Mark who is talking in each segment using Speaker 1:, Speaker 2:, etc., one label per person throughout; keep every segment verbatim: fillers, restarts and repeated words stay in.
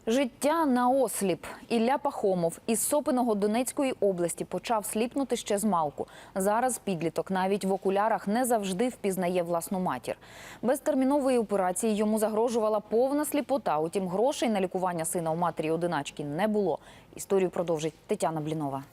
Speaker 1: Життя наосліп. Ілля Пахомов із Сопиного Донецької області почав сліпнути ще з малку. Зараз підліток навіть в окулярах не завжди впізнає власну матір. Без термінової операції йому загрожувала повна сліпота. Утім, грошей на лікування сина у матері-одиначки не було. Історію продовжить Тетяна Блінова.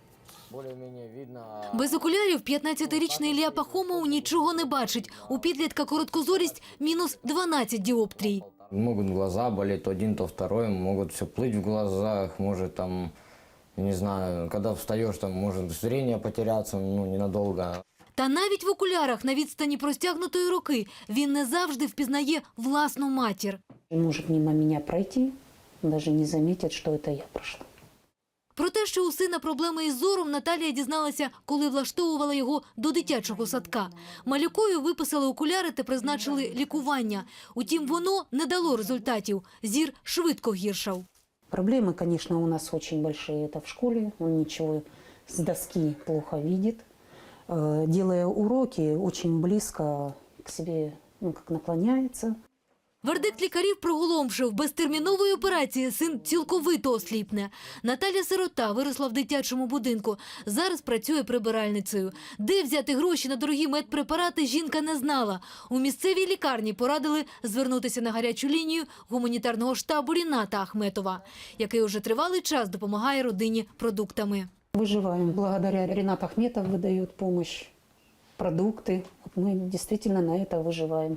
Speaker 2: Без окулярів п'ятнадцятирічний Ілля Пахомов нічого не бачить. У підлітка короткозорість – мінус дванадцять діоптрій.
Speaker 3: Могут глаза болеть, то один, то второй, могут все плыть в глазах, может там, не знаю, когда встаешь, там может зрение потеряться, ну, ненадолго.
Speaker 2: Та навіть в окулярах на відстані простягнутої руки він не завжди впізнає власну матір.
Speaker 4: Может мимо меня пройти, даже не заметит, что это я прошла.
Speaker 2: Про те, що у сина проблеми із зором, Наталія дізналася, коли влаштовувала його до дитячого садка. Малюкові виписали окуляри та призначили лікування. Утім, воно не дало результатів. Зір швидко гіршав.
Speaker 4: Проблемы, конечно, у нас очень большие. Это в школе. Он ничего с доски плохо видит. Э, Делая уроки, очень близко к себе, ну, как наклоняется.
Speaker 2: Вердикт лікарів приголомшив. Без термінової операції син цілковито осліпне. Наталя сирота, виросла в дитячому будинку. Зараз працює прибиральницею. Де взяти гроші на дорогі медпрепарати, жінка не знала. У місцевій лікарні порадили звернутися на гарячу лінію гуманітарного штабу Ріната Ахметова, який уже тривалий час допомагає родині продуктами.
Speaker 4: Выживаем. Благодаря Ренат Ахметов выдает помощь, продукты. Вот мы действительно на это выживаем.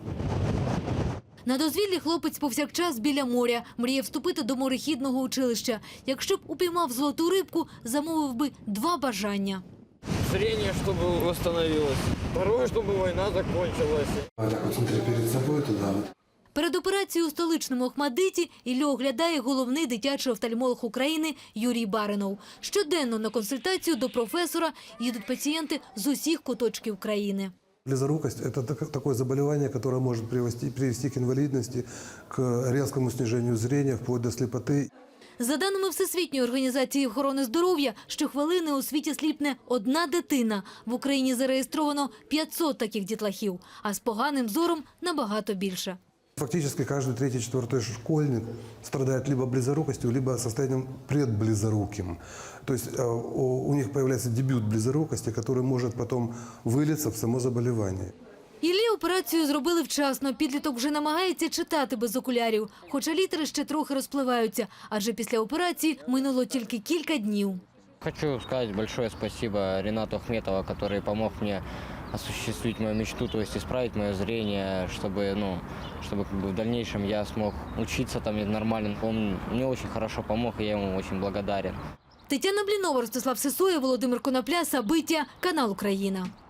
Speaker 2: На дозвіллі хлопець повсякчас біля моря. Мріє вступити до морехідного училища. Якщо б упіймав золоту рибку, замовив би два бажання.
Speaker 5: Зрение, чтобы восстановилось. Второе, чтобы война закончилась.
Speaker 6: Вот так вот смотри перед собой туда вот.
Speaker 2: Перед операцією у столичному Охмадиті Іллю оглядає головний дитячий офтальмолог України Юрій Баринов. Щоденно на консультацію до професора їдуть пацієнти з усіх куточків країни.
Speaker 6: Близорукость – это такое заболевание, которое может привести, привести к инвалидности, к резкому снижению зрения, вплоть до слепоты.
Speaker 2: За даними Всесвітньої організації охорони здоров'я, щохвилини у світі сліпне одна дитина. В Україні зареєстровано п'ятсот таких дітлахів, а з поганим зором набагато більше.
Speaker 6: Фактически каждый третий, четвертый школьник страдает либо близорукостью, либо состоянием предблизоруким. То есть у них появляется дебют близорукости, который может потом вылиться в само заболевание.
Speaker 2: Іллі операцію зробили вчасно. Підліток вже намагається читати без окулярів. Хоча літери ще трохи розпливаються, адже після операції минуло тільки кілька днів.
Speaker 3: Хочу сказать большое спасибо Ренату Ахметову, который помог мне осуществить мою мечту, то есть исправить мое зрение, чтобы, ну, чтобы как бы в дальнейшем я смог учиться там нормально. Он мне очень хорошо помог, и я ему очень благодарен.
Speaker 2: Тетяна Блінова, Ростислав Сисоєв, Володимир Конопля, Сабиття, канал Україна.